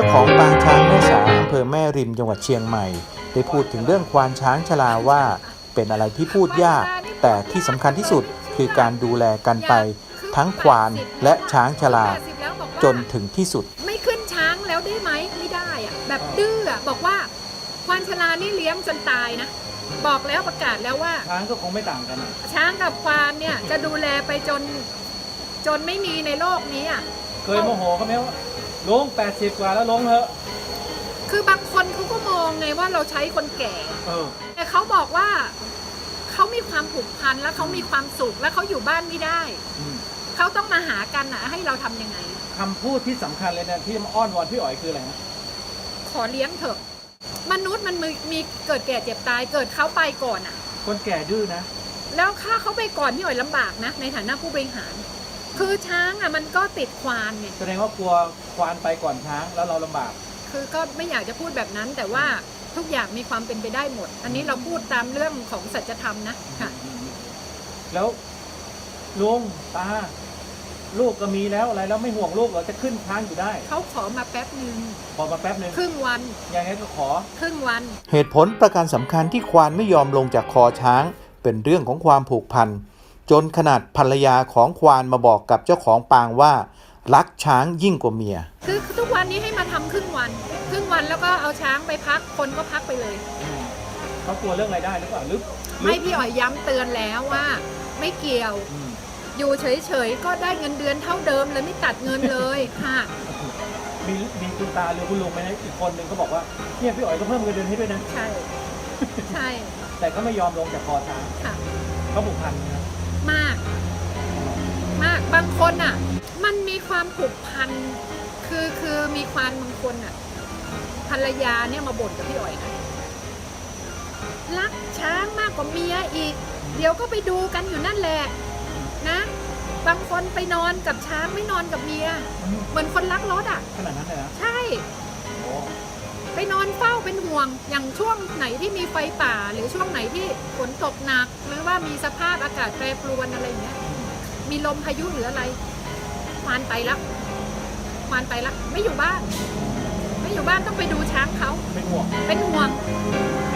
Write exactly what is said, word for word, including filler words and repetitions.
ของปางช้างแม่สาอำเภอแม่ริมจังหวัดเชียงใหม่ได้พูดถึงเรื่องควานช้างชราว่าเป็นอะไรที่พูดยากแต่ที่สำคัญที่สุดคือการดูแลกันไปทั้งควานและช้างชราจนถึงที่สุดไม่ขึ้นช้างแล้วได้ไหมไม่ได้อะแบบดื้ออะบอกว่าควานชรานี่เลี้ยงจนตายนะบอกแล้วประกาศแล้วว่าช้างก็คงไม่ต่างกันช้างกับควานเนี่ยจะดูแลไปจนจนไม่มีในโลกนี้อ่ะเคยโมโหเขาไหมว่าลงแปดสิบกว่าแล้วลงเถอะคือบางคนเขาก็มองไงว่าเราใช้คนแก่แต่เขาบอกว่าเขามีความผูกพันและเขามีความสุขและเขาอยู่บ้านไม่ได้เขาต้องมาหากันนะให้เราทำยังไงคำพูดที่สำคัญเลยนะที่มาอ้อนวอนพี่อ๋อยคืออะไรนะขอเลี้ยงเถอะมนุษย์มันมีเกิดแก่เจ็บตายเกิดเขาไปก่อนอ่ะคนแก่ดื้อนะแล้วค่าเขาไปก่อนพี่อ๋อยลำบากนะในฐานะผู้บริหารคือช้างอ่ะมันก็ติดควานไงแสดงว่ากลัวควานไปก่อนช้างแล้วเราลำบากคือก็ไม่อยากจะพูดแบบนั้นแต่ว่าทุกอย่างมีความเป็นไปได้หมดอันนี้เราพูดตามเรื่องของสัจธรรมนะค่ะแล้วลุงตาลูกก็มีแล้วอะไรแล้วไม่ห่วงลูกเหรอจะขึ้นช้างอยู่ได้เขาขอมาแป๊บนึงขอมาแป๊บนึงครึ่งวันยังไงก็ขอครึ่งวันเหตุผลประการสำคัญที่ควานไม่ยอมลงจากคอช้างเป็นเรื่องของความผูกพันจนขนาดภรรยาของควานมาบอกกับเจ้าของปางว่ารักช้างยิ่งกว่าเมียคือทุกวันนี้ให้มาทำครึ่งวันครึ่งวันแล้วก็เอาช้างไปพักคนก็พักไปเลยเขากลัวเรื่องรายได้หรือเปล่าลึกไม่พี่อ๋อยย้ำเตือนแล้วว่าไม่เกี่ยวอยู่เฉยๆก็ได้เงินเดือนเท่าเดิมเลยไม่ตัดเงินเลยค่ะมีมีคุณตาหรือคุณลุงไหมนะอีกคนหนึ่งเขาบอกว่าเนี่ยพี่อ๋อยก็เพิ่มเงินเดือนให้ด้วยนะใช่ใช่แต่ก็ไม่ยอมลงจากคอช้างค่ะเขาผูกพันนะมากมากบางคนอ่ะมันมีความผูกพันคือคือมีความบางคนอ่ะภรรยาเนี่ยมาบ่นกับพี่อ๋อยนะรักช้างมากกว่าเมียอีกเดี๋ยวก็ไปดูกันอยู่นั่นแหละนะบางคนไปนอนกับช้างไม่นอนกับเมียเหมือนคนรักรถอ่ะขนาดนั้นเลยนะใช่ไปนอนเฝ้าเป็นห่วงอย่างช่วงไหนที่มีไฟป่าหรือช่วงไหนที่ฝนตกหนักหรือว่ามีสภาพอากาศแปรปรวนอะไรอย่างเงี้ยมีลมพายุหรืออะไรควานไปแล้วควานไปแล้วไม่อยู่บ้านไม่อยู่บ้านต้องไปดูช้างเขาเป็นห่วงเป็นห่วง